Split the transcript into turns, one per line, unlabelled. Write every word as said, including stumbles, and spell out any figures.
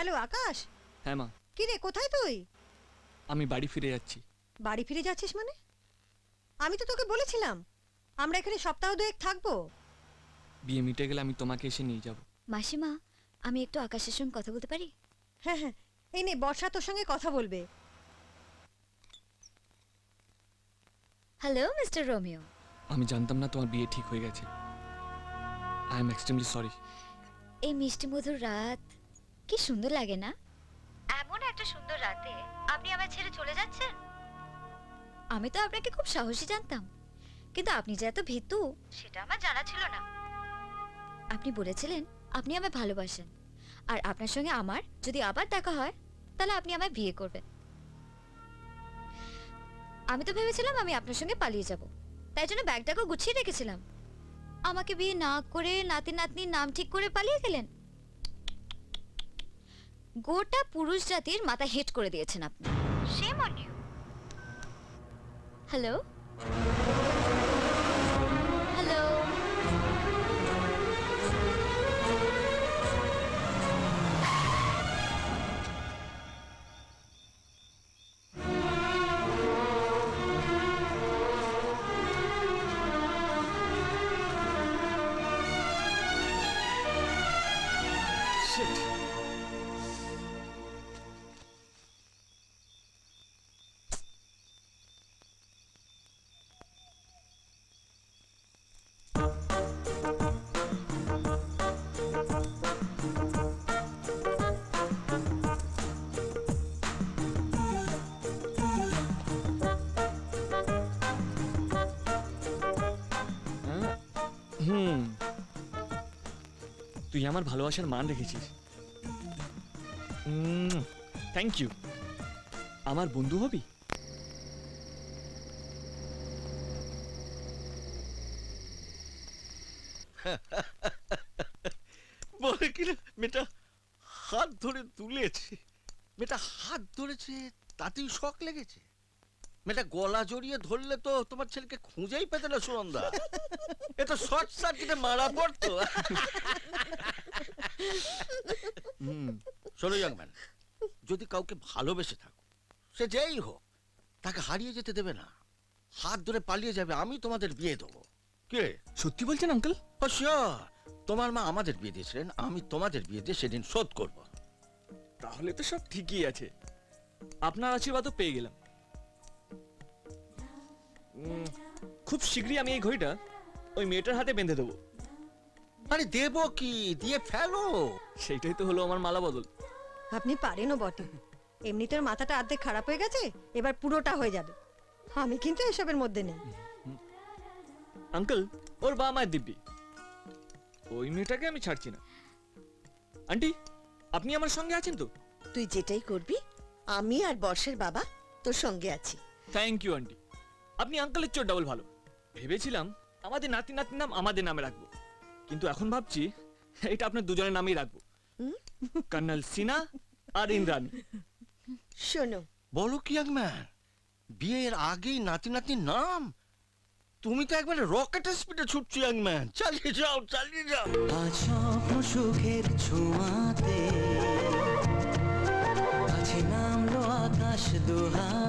Hello আকাশ।
হ্যাঁ মা,
কি রে, কোথায় তুই?
আমি বাড়ি ফিরে যাচ্ছি।
বাড়ি ফিরে যাচ্ছিস মানে? আমি তো তোকে বলেছিলাম আমরা এখানে সপ্তাহ দুয়েক থাকবো।
বিয়ে মিটে গেলে আমি তোমাকে এসে নিয়ে যাব।
মাসিমা, আমি একটু আকাশের সঙ্গে কথা বলতে পারি?
হ্যাঁ হ্যাঁ, এই নে বর্ষা তোর সঙ্গে কথা বলবে।
Hello mister Romeo.
আমি জানতাম না তোমার বিয়ে ঠিক হয়ে গেছে। I am extremely sorry.
এই মিষ্টি মধুর রাত কি সুন্দর লাগে না? এমন একটা সুন্দর রাতে আপনি আমায় ছেড়ে চলে যাচ্ছেন। আমি তো আপনাকে খুব সাহসী জানতাম, কিন্তু আপনি যে এত ভীতু সেটা আমার জানা ছিল না। আপনি বলেছিলেন আপনি আমায় ভালোবাসেন, আর আপনার সঙ্গে আমার যদি আবার দেখা হয় তাহলে আপনি আমায় বিয়ে করবেন। আমি তো ভেবেছিলাম আমি আপনার সঙ্গে পালিয়ে যাব, তাই জন্য ব্যাগটাকে গুছিয়ে রেখেছিলাম। আমাকে বিয়ে না করে নাতি নাতনির নাম ঠিক করে পালিয়ে গেলেন। গোটা পুরুষ জাতির মাথা হেট করে দিয়েছেন আপনি। Shame on you. Hello hello
shit. হুম, তুই আমার ভালোবাসার মান রেখেছিস। Thank you. আমার বন্ধু হবি?
বলে কিনা মেয়েটা হাত ধরে তুলেছে, মেয়েটা হাত ধরেছে তাতেই শখ লেগেছে। মেয়েটা গলা জড়িয়ে ধরলে তো তোমার ছেলেকে খুঁজেই পেতে না সুনন্দা। এ তো শর্ট সার্কিটে মারা পড়তো।
হুম,
শোনো ইয়াংম্যান, যদি কাউকে ভালোবেসে থাকো, সে যেই হোক, তাকে হারিয়ে যেতে দেবে না। হাত ধরে পালিয়ে যাবে, আমি তোমাদের বিয়ে দেবো। কে
সত্যি বলছেন আঙ্কেল?
ও শিওর, তোমার মা আমাদের বিয়ে দিয়েছিলেন, আমি তোমাদের বিয়ে দিয়ে সেদিন শোধ করব।
তাহলে তো সব ঠিকই আছে। আপনার আশীর্বাদও পেয়ে গেলাম। উম, খুব শীঘ্রই আমি এই ঘড়িটা ওই মেয়েটার হাতে বেঁধে দেবো।
আরে দেবো কি, দিয়ে ফেলো।
সেইটাই তো হলো আমার মালা বদল।
আপনি পারেনও বটে। এমনিতে ওর মাথাটা অর্ধেক খারাপ হয়ে গেছে, এবার পুরোটা হয়ে যাবে। আমি কিন্তু এসবের মধ্যে নেই।
আঙ্কেল, ওর বাবা মায়ের দিব্যি, ওই মেয়েটাকে আমি ছাড়ছি না। আন্টি, আপনি আমার সঙ্গে আছেন তো?
তুই যেটাই করবি আমি আর বর্ষের বাবা তোর সঙ্গে আছি।
Thank you aunty. আপনি আঙ্কেলের চোর ডাবল ভালো। ভেবেছিলাম আমাদের নাতি নাতির নাম আমাদের নামে রাখবো, কিন্তু এখন ভাবছি এটা আপনার দুজনের নামেই রাখবো। কর্নেল সিনা আর ইন্দ্রাণী।
শোনো,
বলো কি ইয়াংম্যান, বিয়ের আগেই নাতি নাতির নাম? তুমি তো একবারে রকেটের স্পিডে ছুটছো ইয়াংম্যান। চালিয়ে যাও, চালিয়ে যাও।
আজ স্বপ্ন সুখের ছোঁয়াতে কাছে নামলো আকাশ দোহা